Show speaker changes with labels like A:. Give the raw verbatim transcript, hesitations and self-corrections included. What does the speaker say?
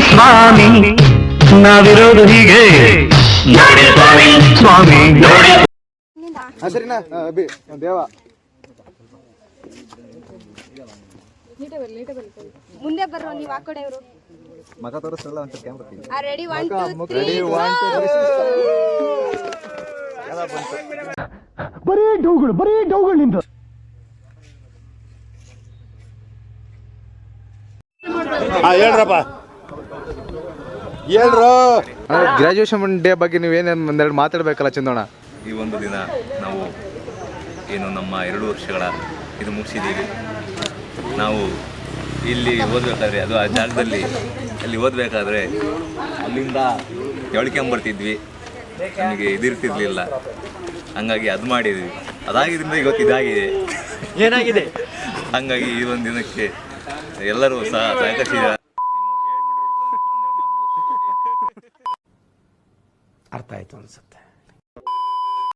A: ಸ್ವಾಮಿ ನಾವಿರೋದು ಹೀಗೆ ಸ್ವಾಮಿ
B: ಸರಿನಾ ಅಭಿ ದೇವ
C: ಮುಂದೆ ಬರ್ರೋ ನೀವು ಆ ಕಡೆ ಇವರು
B: ಮಗ ತೋರಿಸಲ್ಲ ಅಂತ camera
C: ready one two three
A: ಬರೀ ಡೌಗಳು ಬರೀ ಡೌಗಳು ನಿಂತ
B: ಹೇಳ್ರಪ್ಪ ಹೇಳ್ರು ಗ್ರಾಜುಯೇಷನ್ ಡೇ ಬಗ್ಗೆ ನೀವೇನೇನು ಒಂದೆರಡು ಮಾತಾಡ್ಬೇಕಲ್ಲ ಚಂದೋಣ.
D: ಈ ಒಂದು ದಿನ ನಾವು ಏನು ನಮ್ಮ ಎರಡು ವರ್ಷಗಳ ಇದು ಮುಗಿಸಿದ್ದೀವಿ. ನಾವು ಇಲ್ಲಿ ಓದಬೇಕಾದ್ರೆ ಅದು ಆ ಜಾಗದಲ್ಲಿ ಅಲ್ಲಿ ಓದಬೇಕಾದ್ರೆ ಅಲ್ಲಿಂದ ಎಳ್ಕೊಂಬರ್ತಿದ್ವಿ, ನಮಗೆ ಇದಿರ್ತಿರ್ಲಿಲ್ಲ. ಹಂಗಾಗಿ ಅದು ಮಾಡಿದ್ವಿ, ಅದಾಗಿದ್ದರಿಂದ ಇವತ್ತು ಇದಾಗಿದೆ.
A: ಏನಾಗಿದೆ
D: ಹಂಗಾಗಿ ಈ ಒಂದು ದಿನಕ್ಕೆ ಎಲ್ಲರೂ ಸಹ ಸಹಕರಿಸಿದ
A: ಅರ್ಥ ಆಯ್ತು ಅನ್ಸುತ್ತೆ.